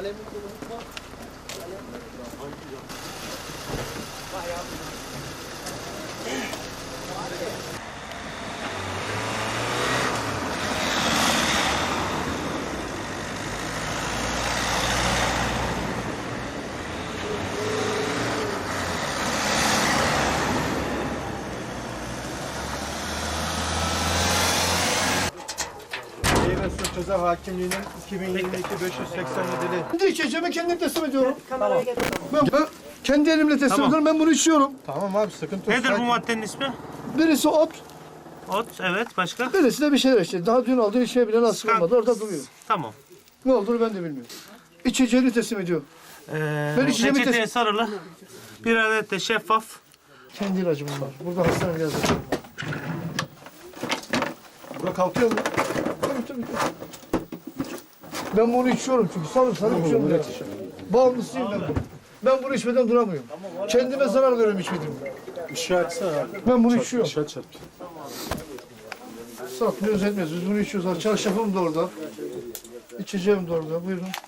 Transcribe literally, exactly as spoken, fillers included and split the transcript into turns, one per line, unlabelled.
Ceza Hakimliği'nin iki bin yirmi iki beş yüz seksen yedili. Kendi içeceğimi kendim teslim ediyorum.
Kameraya
Tamam.
getir.
Ben, ben kendi elimle teslim
Tamam.
ediyorum. Ben bunu içiyorum. Tamam abi, sıkıntı yok.
Nedir bu
Sakin.
maddenin ismi?
Birisi ot,
Ot, evet. Başka?
birisi de bir şeyler işte. Daha dün aldığı içmeye bile nasip olmadı. Orada duruyor.
Tamam.
Ne olduğunu ben de bilmiyorum. İçeceğini teslim ediyor.
Ee,
Ben içeceğimi
reçeteye
teslim...
sarılı. Bir adet de şeffaf.
Kendi ilacım bunlar. Burada hastane yazıyor. Bura kalkıyor mu? Tabii tabii. Ben bunu içiyorum çünkü sarı sarı içiyorum. Ya. Bağımlısıyım ben bunu. Ben bunu içmeden duramıyorum. Kendime zarar veriyorum içmediğim.
Işığı açsana abi.
Ben bunu içiyorum.
Işığı çarp.
Satmıyoruz etmiyoruz. Biz bunu içiyoruz. Çarşafım da orada. İçeceğim de orada. Buyurun.